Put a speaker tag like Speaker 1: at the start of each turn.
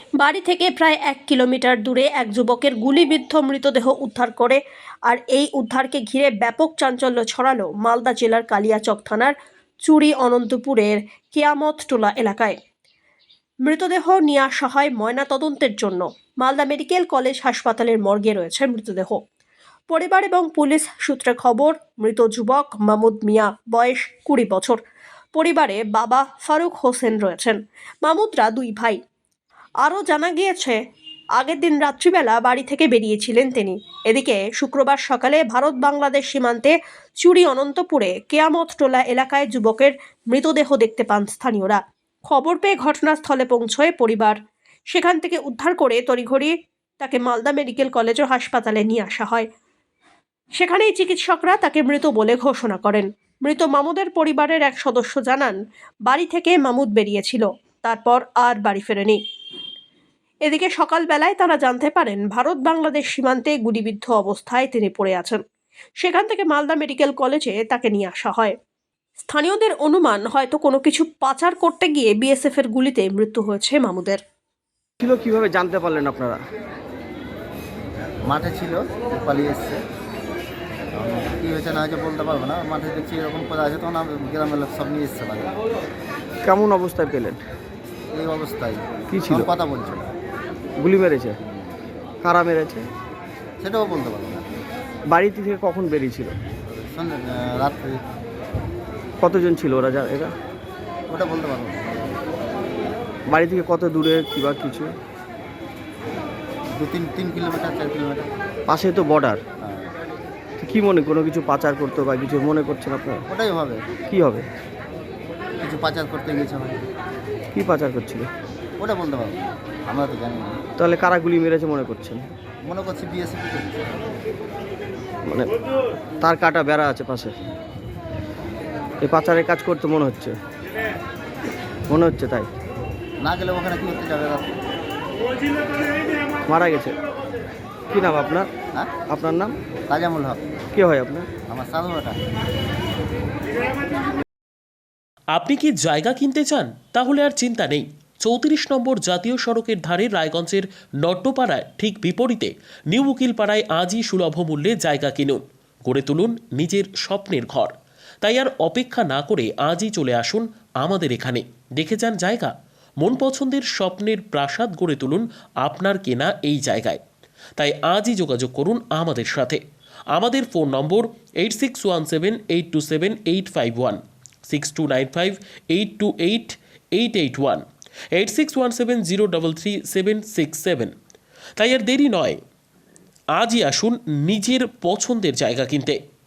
Speaker 1: বাড়ি থেকে প্রায় 1 কিলোমিটার দূরে এক যুবকের গুলিবিদ্ধ মৃতদেহ উদ্ধার করে আর এই উদ্ধারকে ঘিরে ব্যাপক চাঞ্চল্য ছড়ালো মালদা জেলার কালিয়াচক থানার চুরি অনন্তপুরের কেয়ামত টোলা এলাকায়। মৃতদেহ নিয়ে আসা হয় ময়নাতদন্তের জন্য। মালদা মেডিকেল কলেজ হাসপাতালের মর্গে রয়েছে মৃতদেহ। পরিবার এবং পুলিশ সূত্রে খবর, মৃত যুবক মাহমুদ মিয়া, বয়স 20 বছর। পরিবারে বাবা ফারুক হোসেন রয়েছেন। মাহমুদরা 2 ভাই। আরও জানা গিয়েছে, আগের দিন রাত্রিবেলা বাড়ি থেকে বেরিয়েছিলেন তিনি। এদিকে শুক্রবার সকালে ভারত বাংলাদেশ সীমান্তে চুরি অনন্তপুরে কেয়ামত টোলা এলাকায় যুবকের মৃতদেহ দেখতে পান স্থানীয়রা। খবর পেয়ে ঘটনাস্থলে পৌঁছয় পরিবার। সেখান থেকে উদ্ধার করে তড়িঘড়ি তাকে মালদা মেডিকেল কলেজ ও হাসপাতালে নিয়ে আসা হয়। সেখানেই চিকিৎসকরা তাকে মৃত বলে ঘোষণা করেন। মৃত মামুদের পরিবারের এক সদস্য জানান, বাড়ি থেকে মামুদ বেরিয়েছিল, তারপর আর বাড়ি ফেরেনি। এদিকে সকালবেলায় তারা জানতে পারেন ভারত বাংলাদেশ সীমান্তে গুলিবিদ্ধ অবস্থায় তিনি পড়ে আছেন। সেখান থেকে মালদা মেডিকেল কলেজে তাকে নিয়ে আসা হয়। স্থানীয়দের অনুমান, হয়তো কোনো কিছু পাচার করতে গিয়ে বিএসএফ এর গুলিতে মৃত্যু হয়েছে মামুদের।
Speaker 2: কিভাবে জানতে পারলেন আপনারা?
Speaker 3: মাঠে ছিল, পালিয়ে এসছে। কী হয়েছে না হয়েছে বলতে পারবো না। মাঠে দেখছি এরকম করে আছে, তখন গ্রামের লোক সব নিয়ে এসছে বাড়ি।
Speaker 2: কেমন অবস্থায় পেলেন?
Speaker 3: এই অবস্থায়
Speaker 2: কি ছিল?
Speaker 3: কথা বলছিল।
Speaker 2: গুলি মেরেছে? কারা মেরেছে
Speaker 3: সেটাও বলতে পারবো না।
Speaker 2: বাড়ি থেকে কখন বেরিয়েছিল?
Speaker 3: রাত্রি।
Speaker 2: কতজন ছিল ওরা? এরা
Speaker 3: ওটা বলতে পারবো না।
Speaker 2: বাড়ি থেকে কত দূরে কিবা কিছু?
Speaker 3: 3 কিলোমিটার 4 কিলোমিটার।
Speaker 2: পাশে তো বর্ডার।
Speaker 3: হ্যাঁ।
Speaker 2: কি মনে, কোনো কিছু পাচার করতে বা কিছু মনে করছেন আপনারা?
Speaker 3: ওটাই হবে,
Speaker 2: কি হবে?
Speaker 3: কিছু পাচার করতে গেছে হবে।
Speaker 2: কি পাচার করছিল
Speaker 3: ওটা বলতে পারবো না, আমরা তো জানি না।
Speaker 2: তাহলে কারা গুলি মেরেছে মনে করছেন?
Speaker 3: মনে করছি বিএসএফ।
Speaker 2: মানে তার কাটা বেড়া আছে পাশে, এই পাচারের কাজ করতে মনে হচ্ছে তাই
Speaker 3: না গেলে ওখানে কি করতে যাবে? রাত্রে
Speaker 2: মারা গেছে। কি নাম আপনার?
Speaker 3: হ্যাঁ,
Speaker 2: আপনার নাম?
Speaker 3: তাজামুল হক।
Speaker 2: কে হয় আপনার?
Speaker 3: আমার সাধু বেটা।
Speaker 4: আপনি কি জায়গা কিনতে চান? তাহলে আর চিন্তা নেই। 34 নম্বর জাতীয় সড়কের ধারে রায়গঞ্জের নট্টপাড়ায় ঠিক বিপরীতে নিউ উকিলপাড়ায় আজই সুলভ মূল্যে জায়গা কিনুন, গড়ে তুলুন নিজের স্বপ্নের ঘর। তাই আর অপেক্ষা না করে আজই চলে আসুন আমাদের এখানে, দেখে যান জায়গা। মন পছন্দের স্বপ্নের প্রাসাদ গড়ে তুলুন আপনার কেনা এই জায়গায়। তাই আজই যোগাযোগ করুন আমাদের সাথে। আমাদের ফোন নম্বর 8617827851, 6295828881, 8617033767। তাই আর দেরি নয়, আজই আসুন নিজের পছন্দের জায়গা কিনতে।